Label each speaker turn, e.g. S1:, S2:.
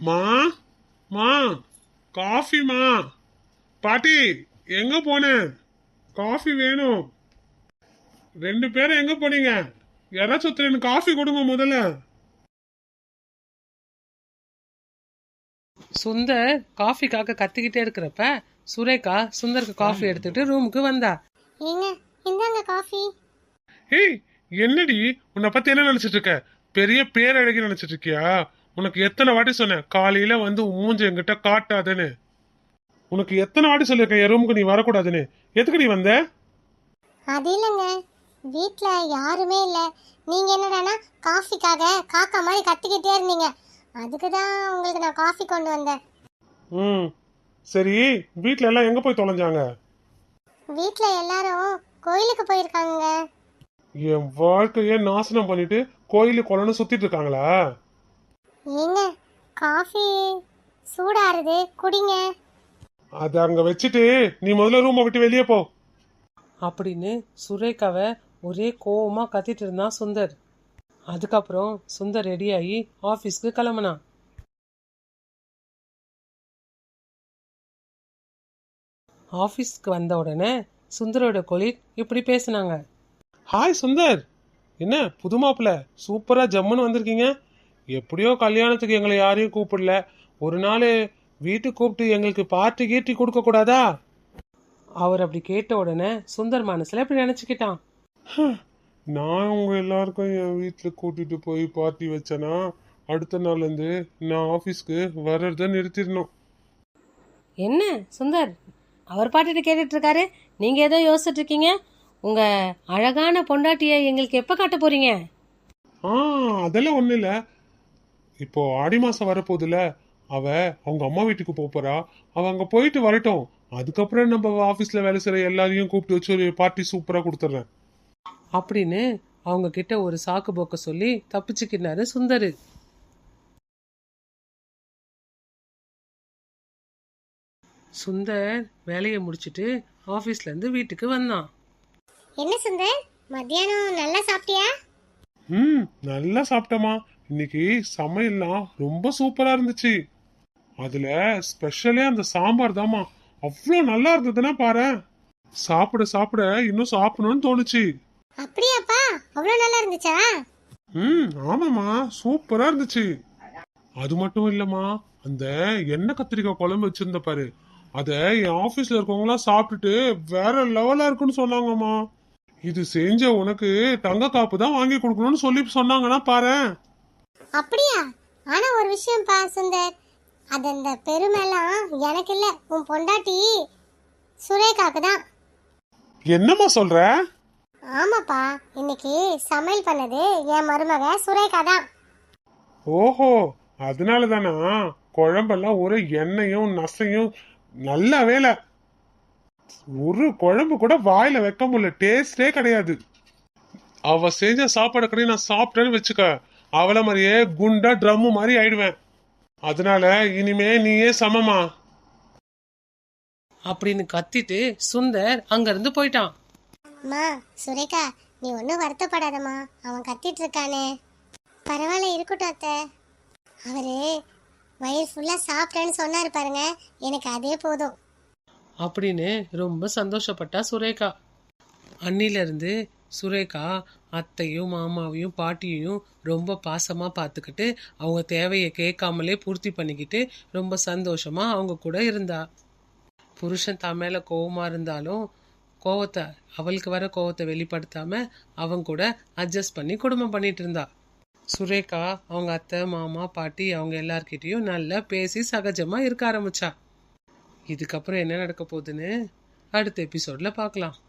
S1: மா மா காஃபிமா. பாட்டி எங்க போன? காஃபி வேணும். 2 பேரும் எங்க போனீங்க? யாராச்சும் ஒருத்தர் எனக்கு காஃபி கொடுங்க முதல்ல.
S2: சுந்தர் காஃபிக்காக கத்திக்கிட்டே இருக்கிறப்ப சுரேகா சுந்தருக்கு காஃபி எடுத்துட்டு ரூமுக்கு வந்தா.
S3: ஏங்க இந்தாங்க காஃபி.
S1: ஏய் என்னடி உன்னை பத்தி என்ன நினைச்சிட்டு இருக்க? பெரிய பேரழகி நினைச்சிட்டு இருக்கியா? உனக்கு எத்தனை வாட்டி சொன்னேன் காலையில வந்து மூஞ்ச என்கிட்ட காட்டாதுன்னு. உனக்கு எத்தனை வாட்டி சொல்லியிருக்கேன் என் ரூமுக்கு நீ வரக்கூடாதுன்னு. எதுக்கு நீ வந்த?
S3: அது இல்லைங்க, வீட்ல யாருமே இல்லை. நீங்க என்னடானா காஃபிக்காக காக்கா மாதிரி கத்திக்கிட்டே இருந்தீங்க. அதுக்கு தான் உங்களுக்கு நான் காஃபி கொண்டு வந்தேன்.
S1: ம் சரி, வீட்ல எல்லாம் எங்க போய் தொலைஞ்சாங்க?
S3: வீட்ல எல்லாரும் கோயிலுக்கு போயிருக்காங்க.
S1: என் வாழ்க்கைய நாசனம் பண்ணிட்டு கோயிலு குளம்னு சுத்திட்டு இருக்காங்களா?
S3: ஏங்க காஃபி சூடாருது, குடிங்க.
S1: அத அங்க வச்சுட்டு நீ முதல்ல ரூமை விட்டு வெளியே போ
S2: அப்படின்னு சுரேகாவை ஒரே கோவமா கத்திட்டு இருந்தான் சுந்தர். அதுக்கப்புறம் சுந்தர் ரெடியாகி ஆஃபீஸ்க்கு கிளம்புனான். ஆஃபீஸ்க்கு வந்த உடனே சுந்தரோட கொலீக் இப்படி பேசினாங்க.
S1: ஹாய் சுந்தர், என்ன புது மாப்பிள்ள சூப்பரா ஜம்முன்னு வந்திருக்கீங்க. எப்படியோ கல்யாணத்துக்கு எங்களை யாரையும் கூப்பிடல, ஒரு நாள் வீட்டுக்கு கூப்பிட்டு எங்களுக்கு பார்ட்டி கீட்டி கொடுக்க கூடாதா?
S2: அவர் அப்படி கேட்ட உடனே சுந்தர் மனசுல இப்படி நினைச்சுக்கிட்டான்.
S1: நான் உங்க எல்லாருக்கும் என் வீட்டுல கூட்டிட்டு போய் பார்ட்டி வச்சேனா அடுத்த நாள்ல இருந்து நான் ஆபீஸ்க்கு வர்றத நிறுத்திடணும்.
S4: என்ன சுந்தர் அவர் பாட்டுட்டு கேட்டுட்டு இருக்காரு, நீங்க ஏதோ யோசிச்சுட்டு இருக்கீங்க. உங்க அழகான பொண்டாட்டிய எங்களுக்கு எப்ப காட்ட போறீங்க?
S1: அதெல்லாம் ஒண்ணு இல்ல. இப்போ ஆடி மாசம் வரப்போகுதுல, அவ அவங்க அம்மா வீட்டுக்கு போறா. அவ அங்க போயிட்டு வரட்டும். அதுக்கப்புறம் நம்ம ஆபீஸ்ல வேலை செய்யற எல்லாரையும் கூப்பிட்டு வச்சு ஒரு பார்ட்டி சூப்பரா கொடுத்துட்றேன்
S2: அப்படின்னு அவங்க கிட்ட ஒரு சாக்கு போக்க சொல்லி தப்பிச்சுக்கினாரு சுந்தர். சுந்தர் வேலையை முடிச்சிட்டு ஆபீஸ்ல இருந்து வீட்டுக்கு வந்தான்.
S3: என்ன சுந்தர், மத்தியானம் நல்லா சாப்பிட்டியா?
S1: நல்லா சாப்பிட்டமா. இன்னைக்கு சமையல்லாம் ரொம்ப சூப்பரா இருந்துச்சு. அதுல ஸ்பெஷலே அந்த சாம்பார் தாமா. அவ்வளோ நல்லா இருந்ததுன்னா பாரு, சாப்பிட சாப்பிட இன்னும் சாப்பிடணும்னு தோணுச்சு.
S3: அப்படியாப்பா, அவ்வளவு நல்லா இருந்துச்சா?
S1: ஆமாமா, சூப்பரா இருந்துச்சு. அது மட்டும் இல்லம்மா, அந்த எண்ணெய் கத்திரிக்காய் குழம்பு வச்சிருந்த பாரு, அத என் ஆபீஸ்ல இருக்கவங்களாம் சாப்பிட்டுட்டு வேற லெவலா இருக்குன்னு சொன்னாங்கம்மா. இது செஞ்ச உனக்கு தங்க காப்பு தான் வாங்கி கொடுக்கணும்னு சொல்லி சொன்னாங்கன்னா பாரு.
S3: அப்படியா? ஆனா ஒரு விஷயம்ப்பா சுந்தர், அது அந்த பெருமைலாம் எனக்கு இல்ல, உன் பொண்டாட்டி சுரேகாக்கு தான்.
S1: என்னம்மா சொல்ற?
S3: ஆமாப்பா, இன்னைக்கு சமையல் பண்ணது என் மருமக சுரேகா தான்.
S1: ஓஹோ, அதனால தானா குழம்பெல்லாம் ஒரு எண்ணெயும் நசையும். நல்ல வேலை, ஒரு குழம்பு கூட வாயில வைக்க முடியல, டேஸ்டே கிடையாது. அவ செஞ்ச சாப்பாடு கடை நான் சாப்பிட்டேன்னு வச்சுக்க, அவளை மாதிரியே குண்டா ட்ரம்மு மாதிரி ஆயிடுவேன். அதனால இனிமே நீயே சமமா
S2: அப்படின்னு கத்திட்டு சுந்தர் அங்க இருந்து போயிட்டான்.
S3: அம்மா சுரேகா, நீ ஒன்றும் வருத்தப்படாதம்மா, அவன் கத்திட்டு இருக்கானே. பரவாயில்ல, இருக்கட்டும் அத்தை. அவரு வயிறு ஃபுல்லா சாப்பிட்டேன்னு சொன்னாரு பாருங்க, எனக்கு அதே போதும்
S2: அப்படின்னு ரொம்ப சந்தோஷப்பட்டா சுரேகா. அன்னில இருந்து சுரேகா அத்தையும் மாமாவையும் பாட்டியையும் ரொம்ப பாசமா பார்த்துக்கிட்டு அவங்க தேவையை கேட்காமலே பூர்த்தி பண்ணிக்கிட்டு ரொம்ப சந்தோஷமா அவங்க கூட இருந்தா. புருஷன் தான் மேல கோவமா இருந்தாலும் கோவத்தை, அவளுக்கு வர கோவத்தை வெளிப்படுத்தாம அவங்க கூட அட்ஜஸ்ட் பண்ணி குடும்பம் பண்ணிட்டு இருந்தா. சுரேகா அவங்க அத்தை மாமா பாட்டி அவங்க எல்லார்கிட்டையும் நல்லா பேசி சகஜமா இருக்க ஆரம்பிச்சா. இதுக்கப்புறம் என்ன நடக்க போகுதுன்னு அடுத்த எபிசோட்ல பார்க்கலாம்.